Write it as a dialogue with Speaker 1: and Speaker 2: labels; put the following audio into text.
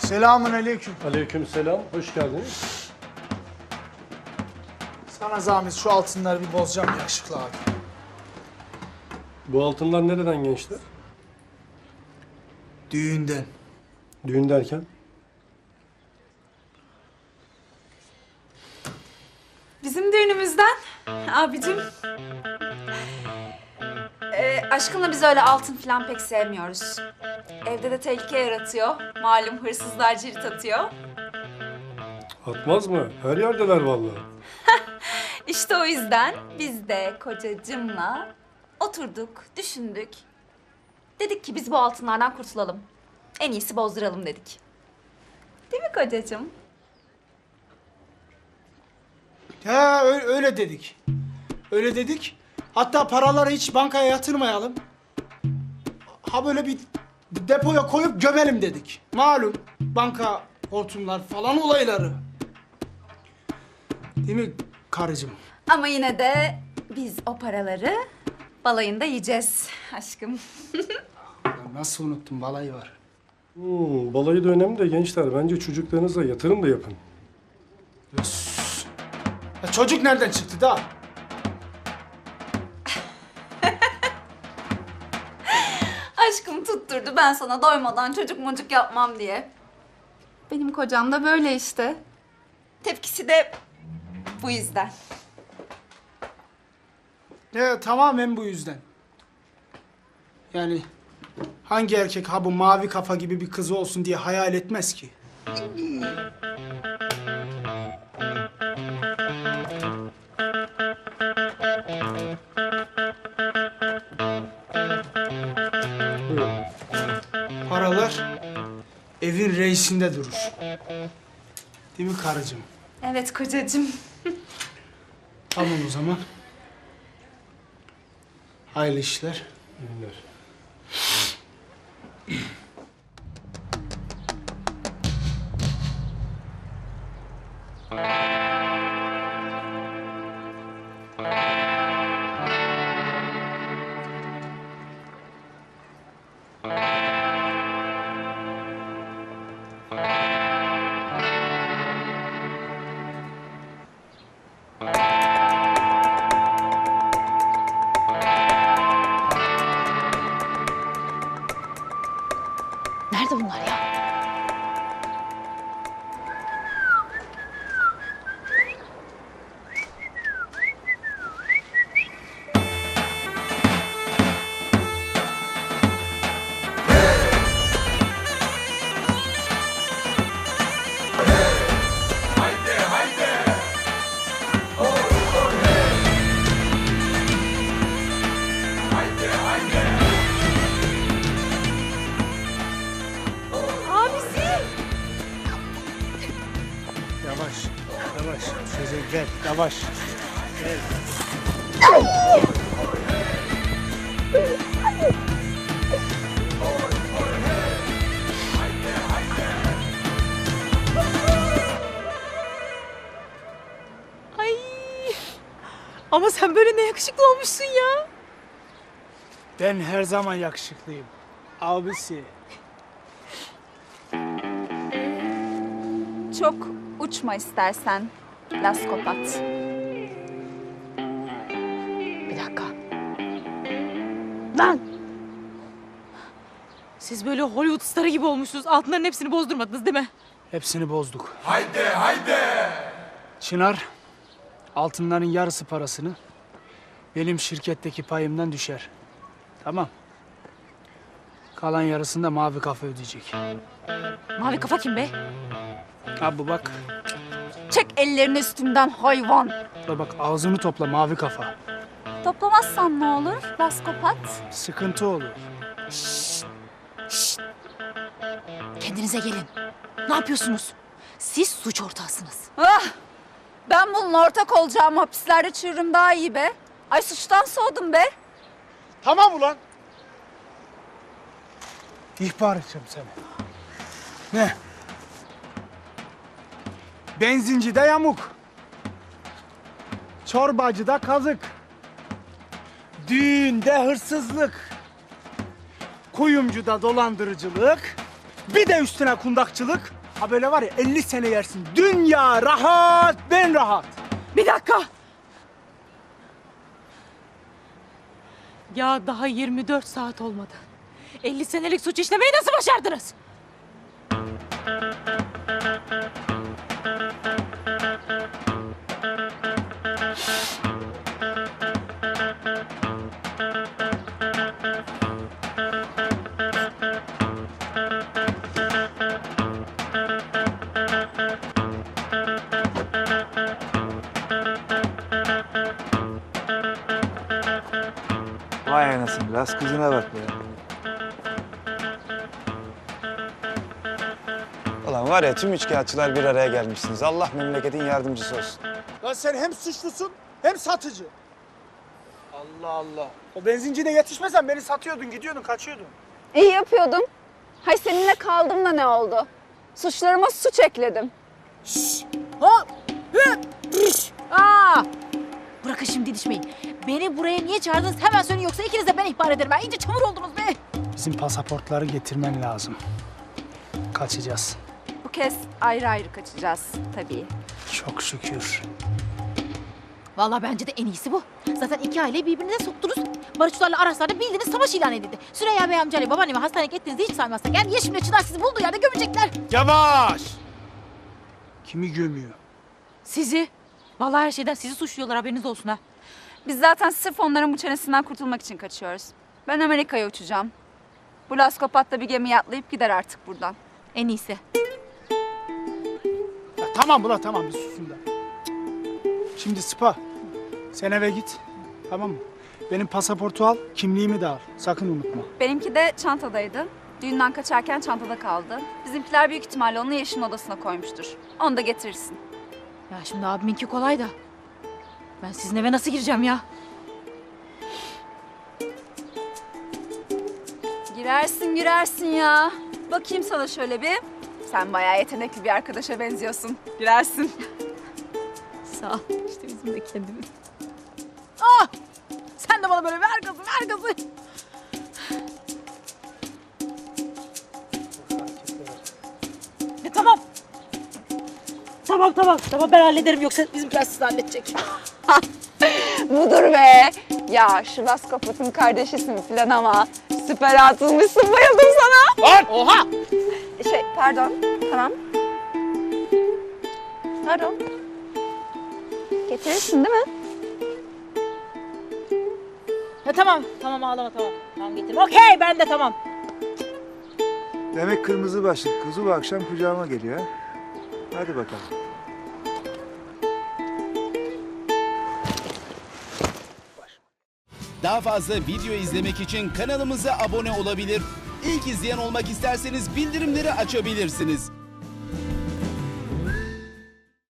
Speaker 1: Selamünaleyküm.
Speaker 2: Aleykümselam, hoş geldiniz.
Speaker 1: Sana zahmet şu altınları bir bozacağım yakışıklı abi.
Speaker 2: Bu altınlar nereden gençler?
Speaker 1: Düğünden.
Speaker 2: Düğün derken?
Speaker 3: Bizim düğünümüzden abicim. Aşkımla biz öyle altın falan pek sevmiyoruz. Evde de tehlike yaratıyor. Malum hırsızlar cirit atıyor.
Speaker 2: Atmaz mı? Her yerdeler vallahi.
Speaker 3: İşte o yüzden biz de kocacımla oturduk, düşündük. Dedik ki biz bu altınlardan kurtulalım. En iyisi bozduralım dedik. Değil mi kocacığım?
Speaker 1: He öyle dedik. Öyle dedik. Hatta paraları hiç bankaya yatırmayalım. Ha böyle bir depoya koyup gömelim dedik. Malum banka hortumlar falan olayları. Değil mi karıcığım?
Speaker 3: Ama yine de biz o paraları balayında yiyeceğiz aşkım.
Speaker 1: Ya nasıl unuttum, balayı var.
Speaker 2: Balayı da önemli de gençler. Bence çocuklarınıza yatırım da yapın.
Speaker 1: Ya çocuk nereden çıktı da?
Speaker 3: Aşkım tutturdu ben sana doymadan çocuk mocuk yapmam diye. Benim kocam da böyle işte. Tepkisi de bu yüzden.
Speaker 1: Tamamen bu yüzden. Yani hangi erkek ha bu mavi kafa gibi bir kızı olsun diye hayal etmez ki?
Speaker 2: Buyurun.
Speaker 1: Paralar evin reisinde durur. Değil mi karıcığım?
Speaker 3: Evet kocacığım.
Speaker 1: Tamam o zaman. Hayırlı işler.
Speaker 2: İyi günler.
Speaker 4: Nerede bunlar ya?
Speaker 1: Yavaş, yavaş. Söze gel, yavaş. Gel.
Speaker 4: Ay. Ama sen böyle ne yakışıklı olmuşsun ya.
Speaker 1: Ben her zaman yakışıklıyım. Abisi.
Speaker 3: Çok uçma istersen laskopat.
Speaker 4: Bir dakika. Lan! Siz böyle Hollywood starı gibi olmuşsunuz. Altınların hepsini bozdurmadınız değil mi?
Speaker 1: Hepsini bozduk. Haydi. Çınar, altınların yarısı parasını benim şirketteki payımdan düşer. Tamam. Kalan yarısını da mavi kafa ödeyecek.
Speaker 4: Mavi kafa kim be?
Speaker 1: Abi bak,
Speaker 3: Çek ellerini üstümden hayvan.
Speaker 1: bak ağzını topla mavi kafa.
Speaker 3: Toplamazsan ne olur laskopat?
Speaker 1: Sıkıntı olur.
Speaker 4: Kendinize gelin. Ne yapıyorsunuz? Siz suç ortağısınız.
Speaker 3: Ah! Ben bununla ortak olacağım hapislerde çürürüm daha iyi be. Ay suçtan soğudum be.
Speaker 1: Tamam ulan. İhbar edeceğim seni. Ne? Benzincide yamuk. Çorbacıda kazık. Düğünde hırsızlık. Kuyumcuda dolandırıcılık. Bir de üstüne kundakçılık. Ha böyle var ya 50 sene yersin. Dünya rahat, ben rahat.
Speaker 4: Bir dakika. Ya daha 24 saat olmadı. 50 senelik suç işlemeyi nasıl başardınız?
Speaker 5: Vay anasını, biraz kızına bak be. Ulan var ya tüm üçkağıtçılar bir araya gelmişsiniz. Allah memleketin yardımcısı olsun.
Speaker 1: Lan sen hem suçlusun hem satıcı. Allah Allah. O benzincide yetişmesen beni satıyordun, gidiyordun, kaçıyordun.
Speaker 6: İyi yapıyordum. Hay seninle kaldım da ne oldu? Suçlarıma suç ekledim.
Speaker 4: Hop! Hı! Üş! Aa! Bırakın şimdi didişmeyin. Beni buraya niye çağırdınız hemen söyleyin yoksa ikiniz de ben ihbar ederim. Ben iyice çamur oldunuz be.
Speaker 1: Bizim pasaportları getirmen lazım. Kaçacağız.
Speaker 3: Bu kez ayrı ayrı kaçacağız tabii.
Speaker 1: Çok şükür.
Speaker 4: Vallahi bence de en iyisi bu. Zaten iki aileyi birbirine soktunuz. Barışçılarla Araslar'da bildiğiniz savaş ilan edildi. Süreyya Bey amcayla babaannemi hastaneye gittiğinizi hiç saymazsak eğer Yeşim'le Çınar sizi bulduğu yerde gömecekler.
Speaker 1: Yavaş! Kimi gömüyor?
Speaker 4: Sizi. Vallahi her şeyden sizi suçluyorlar haberiniz olsun ha.
Speaker 3: Biz zaten sırf onların bu çenesinden kurtulmak için kaçıyoruz. Ben Amerika'ya uçacağım. Bu laskopat da bir gemiye atlayıp gider artık buradan.
Speaker 4: En iyisi.
Speaker 1: Ya tamam ulan tamam bir susun da. Şimdi Sıpa, sen eve git. Tamam mı? Benim pasaportu al, kimliğimi de al. Sakın unutma.
Speaker 3: Benimki de çantadaydı. Düğünden kaçarken çantada kaldı. Bizimkiler büyük ihtimalle onu Yeşim'in odasına koymuştur. Onu da getirirsin.
Speaker 4: Ya şimdi abiminki kolay da. Ben sizin eve nasıl gireceğim ya?
Speaker 3: Girersin ya. Bakayım sana şöyle bir. Sen bayağı yetenekli bir arkadaşa benziyorsun. Girersin.
Speaker 4: Sağ ol. İşte bizim de kendimiz. Ah! Sen de bana böyle ver gazı, ver gazı. Tamam. Tamam ben hallederim yoksa bizimkiler sizi halledecek.
Speaker 6: Budur be. Ya şu laskopatın kardeşisin falan ama süper atılmışsın, bayıldım sana.
Speaker 4: Oha!
Speaker 6: Pardon. Tamam. Pardon. Getirirsin değil mi?
Speaker 4: Ya tamam ağlama tamam. Tamam getir. Okey ben de tamam.
Speaker 5: Demek kırmızı başlık kızı bu akşam kucağıma geliyor ha. Hadi bakalım.
Speaker 7: Daha fazla video izlemek için kanalımıza abone olabilir. İlk izleyen olmak isterseniz bildirimleri açabilirsiniz.